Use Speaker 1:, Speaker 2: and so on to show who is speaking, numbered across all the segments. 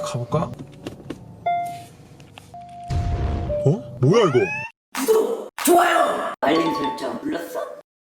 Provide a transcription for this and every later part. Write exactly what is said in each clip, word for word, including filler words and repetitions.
Speaker 1: 가볼까? 어? 뭐야 이거?
Speaker 2: 좋아요! 알림 설정 눌렀어?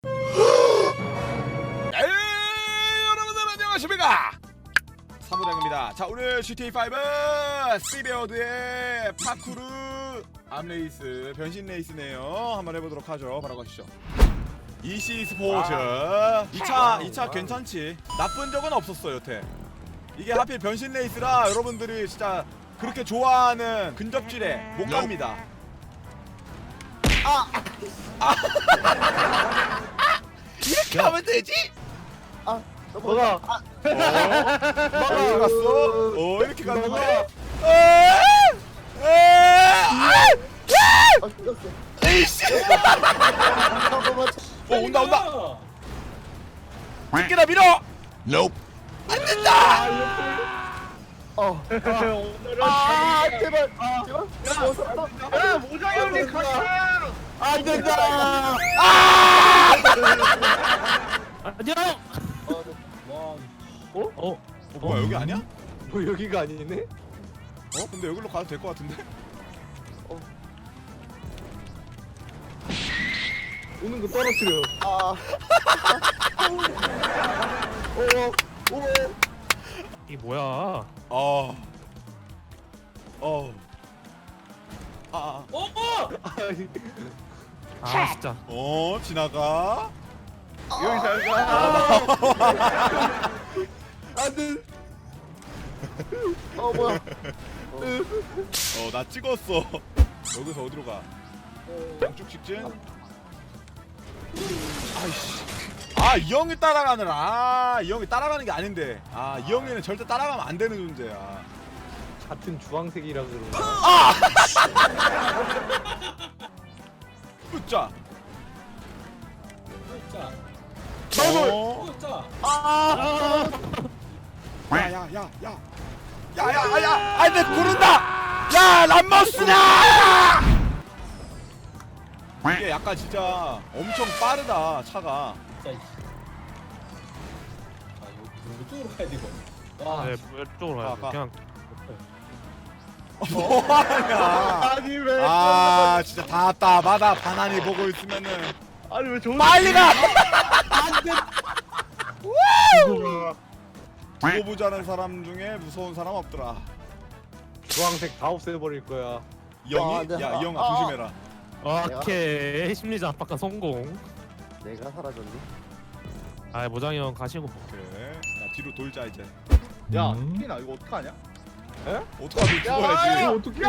Speaker 3: 에이, 여러분들 안녕하십니까? 사무장입니다. 자, 오늘 지티에이 파이브 시베어드의 파쿠르 암레이스 변신 레이스네요. 한번 해보도록 하죠. 바로 가시죠. 이씨 스포츠 이 차 이 차 괜찮지? 나쁜 적은 없었어 여태. 이게 하필 변신 레이스라 여러분들이 진짜 그렇게 좋아하는 근접질에 못 갑니다. 아! 아! 이렇게 하면 되지?
Speaker 4: 뭐가?
Speaker 3: 어? 이렇게 갔어? 어 이렇게 갔는데?
Speaker 4: 아, 죽였어.
Speaker 3: 에이씨!
Speaker 4: 잠깐만.
Speaker 3: 어 온다 온다! 새끼다 밀어! Nope. 안 된다!
Speaker 4: 어. 아, 제발. 제발. 야, 모자 형님 같이. 안 된다.
Speaker 5: 안녕.
Speaker 4: 어?
Speaker 3: 어 뭐야 여기 아니야?
Speaker 4: 뭐 여기가 아니네?
Speaker 3: 어? 근데 여기로 가도 될 것 같은데?
Speaker 4: 오는 거 떨어뜨려. 아. 오. 오.
Speaker 5: 이 뭐야?
Speaker 3: 어... 어... 아...
Speaker 5: 아 진짜.
Speaker 3: 어? 지나가?
Speaker 4: 여기 잘 가. 안 돼. 어, 뭐야?
Speaker 3: 어, 나 찍었어. 여기서 어디로 가? 양쪽 직진? 아이씨. 아, 이 형이 따라가느라. 아, 이 형이 따라가는 게 아닌데. 아, 이 형이는 절대 따라가면 안 되는 존재야.
Speaker 4: 같은 주황색이라 그러고.
Speaker 3: 으짜.
Speaker 4: 나도.
Speaker 3: 어?
Speaker 4: 아.
Speaker 3: 야, 야, 야, 야. 야, 야, 야. 아, 내 구른다. 야, 람머스나! 이게 약간 진짜 엄청 빠르다, 차가.
Speaker 6: 이쪽으로 가야 되고.
Speaker 5: 네, 이쪽으로 가야 돼.
Speaker 3: 가, 가.
Speaker 5: 그냥
Speaker 3: 뭐하냐.
Speaker 4: 아니 왜?
Speaker 3: 아, 진짜 답답하다. 바나니 보고 있으면은.
Speaker 4: 아니 왜 좋은?
Speaker 3: 빨리 가!
Speaker 4: 안 돼.
Speaker 3: 두고 보자는 사람 중에 무서운 사람 없더라.
Speaker 4: 주황색 다 없애버릴 거야.
Speaker 3: 이 형이?
Speaker 4: 아, 네.
Speaker 3: 야, 이 형아
Speaker 4: 아,
Speaker 3: 조심해라.
Speaker 5: 오케이 심리자 압박과 성공.
Speaker 4: 내가 사라졌니?
Speaker 5: 아 모장이 형 가시고.
Speaker 3: 그래. 나 뒤로 돌자 이제.
Speaker 4: 야,
Speaker 5: 음.
Speaker 4: 나 이거 어떡하냐?
Speaker 3: 어떡하면 죽어야지.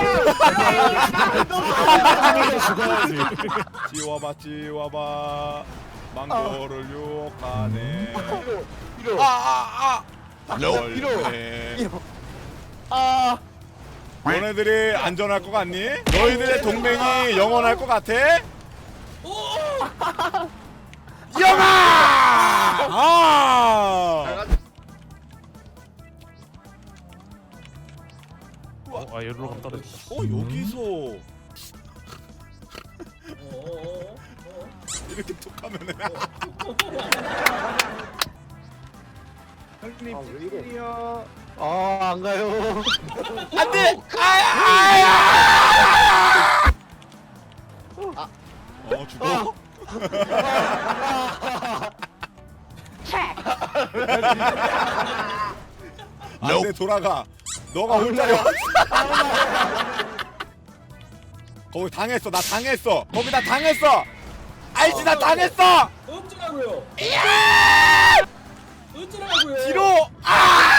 Speaker 5: 죽어야지.
Speaker 3: 지워봐 지워봐. 망고를 유혹하네.
Speaker 4: 이러.
Speaker 3: 아, 아, 아.
Speaker 4: 이러.
Speaker 3: 네.
Speaker 4: 이러. 아.
Speaker 3: 너네들이 안전할 것 같니? 너희들의 동맹이 영원할 것 같아? 영아! 아!
Speaker 5: 어, 아 여기로 가면 떨어진다.
Speaker 3: 어 여기서
Speaker 6: 어어어.
Speaker 3: 이렇게 툭 하면은
Speaker 4: 형님, 아, 왜 이래? 아, 안 가요.
Speaker 3: 안돼! 아야! 어 죽어? 안돼 돌아가. 너가 올 자리 없. 거기 당했어. 나 당했어. 거기 나 당했어. 알지 나 당했어.
Speaker 6: 어쩌라고요? 어쩌라고요?
Speaker 3: 뒤로. 아!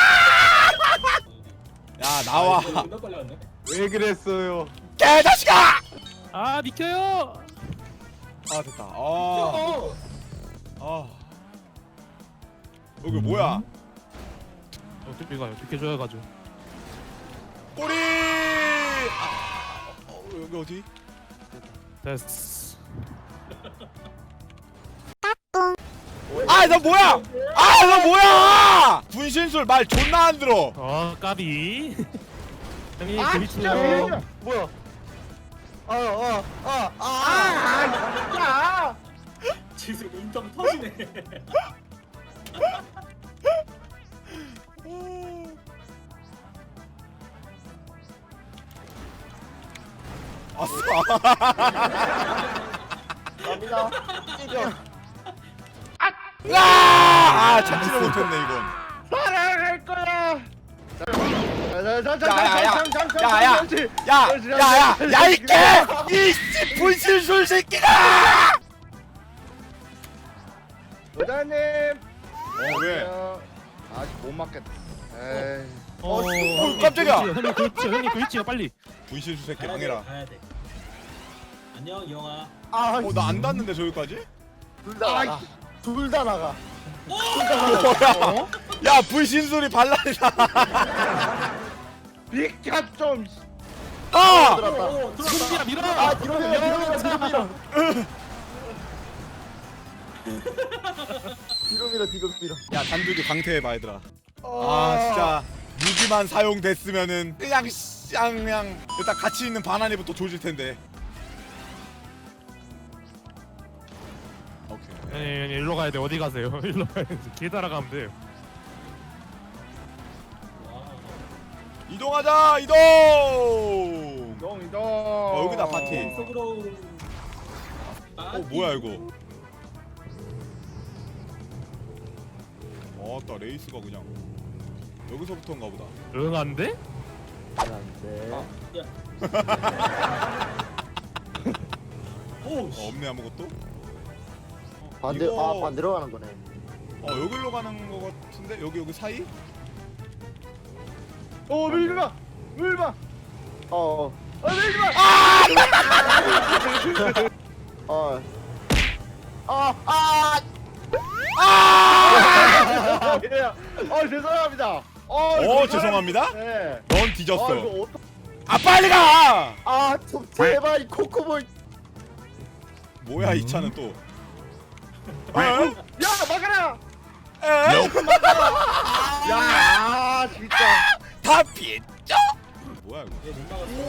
Speaker 3: 야 나와.
Speaker 6: 나 빨리 왔네.
Speaker 4: 왜 그랬어요?
Speaker 3: 개자식아!
Speaker 5: 아 비켜요.
Speaker 3: 아 됐다. 아,
Speaker 6: 어.
Speaker 3: 아. 여기 뭐야?
Speaker 5: 어떻게 가요? 비켜줘야 가죠.
Speaker 3: 꼬리. 아, 어, 여기 어디?
Speaker 5: 됐어.
Speaker 3: 아, 너 뭐야? 아, 너 뭐야? 분신술 말 존나 안 들어.
Speaker 5: 어 까비. 형님
Speaker 4: 아, 진짜 왜
Speaker 5: 재밌어요.
Speaker 4: 이래? 뭐야? 아, 아, 아, 아, 아, 진짜!
Speaker 6: 지금 인턴 터지네.
Speaker 3: 아싸.
Speaker 4: 갑니다. 이겨.
Speaker 3: 아, 찾지를 못했네 이건.
Speaker 4: 사랑할 거야.
Speaker 3: 야야야야야야야 야야야 이개 이씨 분신술 새끼가.
Speaker 4: 부장님.
Speaker 3: 어 왜?
Speaker 4: 아직 못 맞겠다. 에이.
Speaker 5: 어,
Speaker 3: 어, 깜짝이야.
Speaker 5: 형님 그 있지요, 형님 그 있지요, 빨리.
Speaker 3: 분신술 새끼
Speaker 6: 가야 돼,
Speaker 3: 망해라.
Speaker 6: 가야 돼. 안녕 이영아.
Speaker 4: 아,
Speaker 3: 어 나 안 닿는데 저기까지?
Speaker 4: 둘다 나가. 둘 다 나가.
Speaker 3: 뭐야? 야 분신술이 반란이다.
Speaker 4: 비켜 좀.
Speaker 3: 아!
Speaker 4: 들었다.
Speaker 6: 오, 들어왔다.
Speaker 5: 승비야 밀어.
Speaker 4: 아, 뒤로 밀어, 뒤로 밀어, 뒤로 밀어. 뒤로 밀어, 뒤로 밀어.
Speaker 3: 야 단두기 강퇴해봐 얘들아.
Speaker 4: 어.
Speaker 3: 아 진짜 무기만 사용됐으면은 그냥 쌍 그냥 일단 같이 있는 바나니부터 조질 텐데. 오케이.
Speaker 5: 아니, 아니 일로 가야 돼. 어디 가세요? 일로 가야 돼. 길 따라가면 돼.
Speaker 6: 와.
Speaker 3: 이동하자 이동.
Speaker 4: 이동, 이동.
Speaker 3: 어 여기다 파티.
Speaker 6: 속으로.
Speaker 3: 어 뭐야 이거? 어따 레이스가 그냥 여기서부터인가 보다.
Speaker 5: 응, 안 돼?
Speaker 4: 안 돼.
Speaker 6: 야. 오,
Speaker 3: 어,
Speaker 6: 씨.
Speaker 3: 없네 아무것도.
Speaker 4: 반대,
Speaker 3: 이거-
Speaker 4: 아, 반대로 가는 거네.
Speaker 3: 어 여기로 가는 거 같은데 여기 여기 사이?
Speaker 4: 어, 밀지 마! 밀지 마! 어, 어, 밀지 마! 어. 아, 아! 아! 어, 죄송합니다. 어,
Speaker 3: 어 죄송합니다.
Speaker 4: 네.
Speaker 3: 넌
Speaker 4: 아,
Speaker 3: 뒤졌어.
Speaker 4: 이거 어떡...
Speaker 3: 아 빨리 가.
Speaker 4: 아, 좀 제발 이 코코볼.
Speaker 3: 뭐야 이 차는 또. 어?
Speaker 4: 야, 막아라!
Speaker 3: 에?
Speaker 4: 야, 아, 진짜.
Speaker 3: 다 피했죠? 뭐야 이거?
Speaker 6: 얘 못 막았어.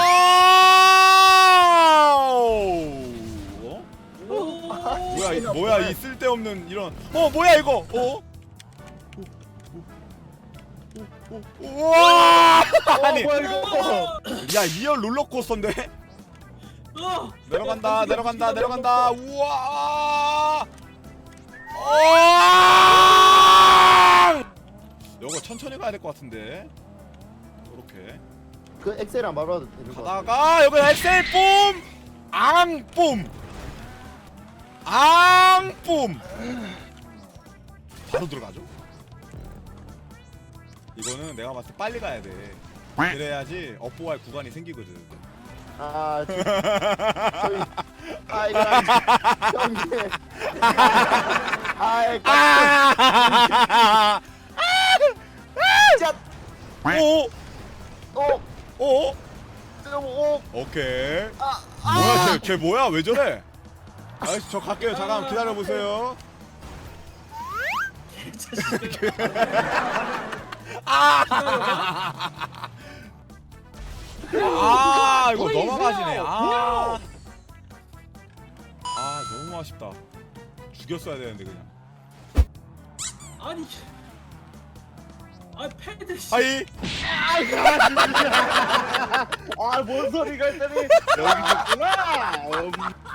Speaker 3: 와우! 어?
Speaker 6: 오.
Speaker 3: 뭐야 이, 뭐야 이 쓸데없는 이런. 어 뭐야 이거? 어? 우와! 아니,
Speaker 4: 어, 뭐야 이거?
Speaker 3: 야 리얼 롤러코스터인데?
Speaker 6: 어.
Speaker 3: 내려간다,
Speaker 6: 야,
Speaker 3: 내려간다,
Speaker 6: 야,
Speaker 3: 내려간다. 우와! 어! 이거 천천히 가야 될 것 같은데. 이렇게
Speaker 4: 그 엑셀 안 밟아도 되는 거.
Speaker 3: 가다가 여기 엑셀 뿜, 앙 뿜, 앙 뿜. 바로 들어가죠. 이거는 내가 봤을 때 빨리 가야 돼. 그래야지 업보할 구간이 생기거든.
Speaker 4: 아, 저, 저희, 아 이거 형님, 아,
Speaker 3: 아!
Speaker 4: 진짜,
Speaker 3: 오,
Speaker 4: 오,
Speaker 3: 오,
Speaker 4: 좀 오,
Speaker 3: 오케이.
Speaker 4: 아,
Speaker 3: 뭐야, 쟤, 쟤 뭐야? 왜 저래? 아저씨 저 갈게요. 잠깐 기다려 보세요. 아! 아, 이거 넘어가지네. 아. 아, 너무 아쉽다. 죽였어야 되는데 그냥.
Speaker 6: 아니. 아 패드. 씨.
Speaker 3: 하이.
Speaker 4: 아, 뭔 소리가 있더니 여기 있구나. 음.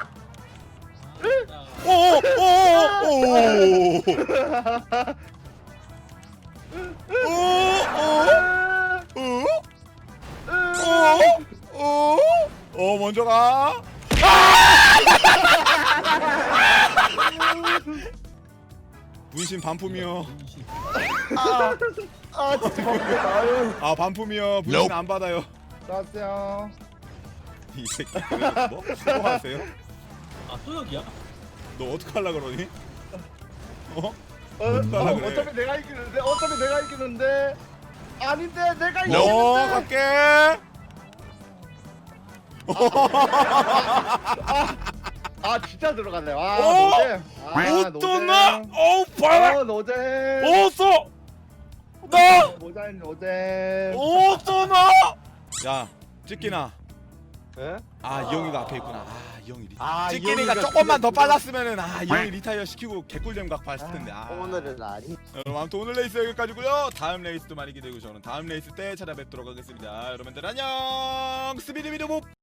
Speaker 6: 아,
Speaker 3: 오, 오, 오, 오. 오, 오. 오, 오, 오, 먼저 가. 분신 반품이요.
Speaker 4: 아, 아, 진짜 바쁘다. 아유,
Speaker 3: 아 반품이요. 분신 안 받아요.
Speaker 4: 나왔어요.
Speaker 3: 이 새끼 그래서 뭐? 수고하세요?
Speaker 6: 아또 여기야?
Speaker 3: 너 어떡하려 그러니? 어?
Speaker 4: 어,
Speaker 3: 어떡하려
Speaker 4: 어,
Speaker 3: 그래?
Speaker 4: 어차피 내가 이기는데, 어차피 내가 이기는데. 아닌데, 내가
Speaker 3: 너
Speaker 4: 이기는데.
Speaker 3: 갈게.
Speaker 4: 아, 진짜 들어갔네. 아,
Speaker 3: 어?
Speaker 4: 노잼. 아,
Speaker 3: 어떠나?
Speaker 4: 노잼.
Speaker 3: 어우 봐라.
Speaker 4: 어, 노잼.
Speaker 3: 어서. 나.
Speaker 4: 노잼, 노잼.
Speaker 3: 어떠나? 야 찍기나.
Speaker 4: 예?
Speaker 3: 아 이영이가 앞에 있구나. 아 이영이 리.
Speaker 4: 아,
Speaker 3: 찍기니까
Speaker 4: 이영이가
Speaker 3: 조금만 더
Speaker 4: 그거-
Speaker 3: 빨랐으면은 아 이영이 리타이어 시키고 개꿀잼 각 봤을 텐데. 아.
Speaker 4: 오늘은 아니.
Speaker 3: 여러분 아무튼 오늘 레이스 여기까지고요. 다음 레이스도 많이 기대고 저는 다음 레이스 때 찾아뵙도록 하겠습니다. 여러분들 안녕. 스비디비디봅.